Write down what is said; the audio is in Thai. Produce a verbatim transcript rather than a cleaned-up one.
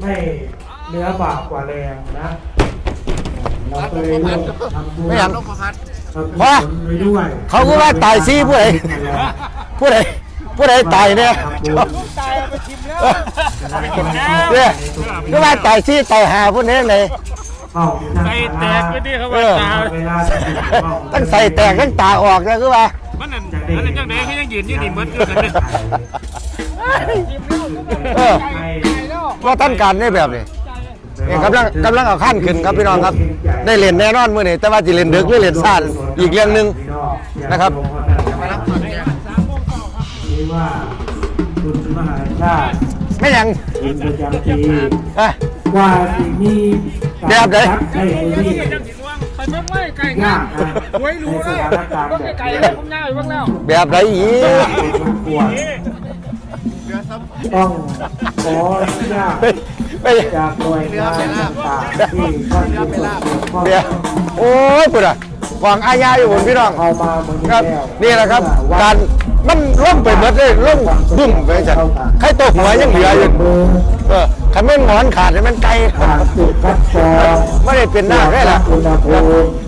ไม่เนื้อบากกว่าแรงนะเราก็เลยเลือกทำบุญไม่หันเพราะเขาก็ว่าตายซี่ผู้ใดผู้ใดผู้ใดตายเนี่ยเนี่ยก็ว่าตายซี่ตายหาผู้นี้เลยใส่แตกก็ดีเขาว่าตาตั้งใส่แตกตั้งตาออกนะคือว่ามันนั่นมันนั่นยังไงเขายังยืนอยู่นี่เหมือนกันเลยว่าท่านการได้แบบนี้นี่กำลังกำลังเอาขั้นขึ้นครับพี่น้องครับได้เล่นแน่นอนมื้อนี้แต่ว่าจะเล่นดึกหรือเล่นสั้นอีกเรื่องหนึ่งนะครับนี่ว่าคุณมหาชาติไม่ยังคุณประจำปีว่าสิ่งนี้แบบไหนให้ที่ไปเมื่อไม่ไก่ง่ายหวยรู้เลยก็ไก่เลยผมง่ายบ้างแล้วแบบไหนอีกต้องขออนุญาตจากหน่วยงานต่างๆที่ท่านผู้เกี่ยวข้องโอ้ยปุ๊ดอะวางอาญาอยู่บนพี่น้องครับนี่แหละครับการมันล่มไปหมดเลยล่มบึ้มไปจัดใครตกหัวยังเหลืออยู่เออขันไม่หงอนขาดเลยมันไกลไม่ได้เป็นหน้าได้ละ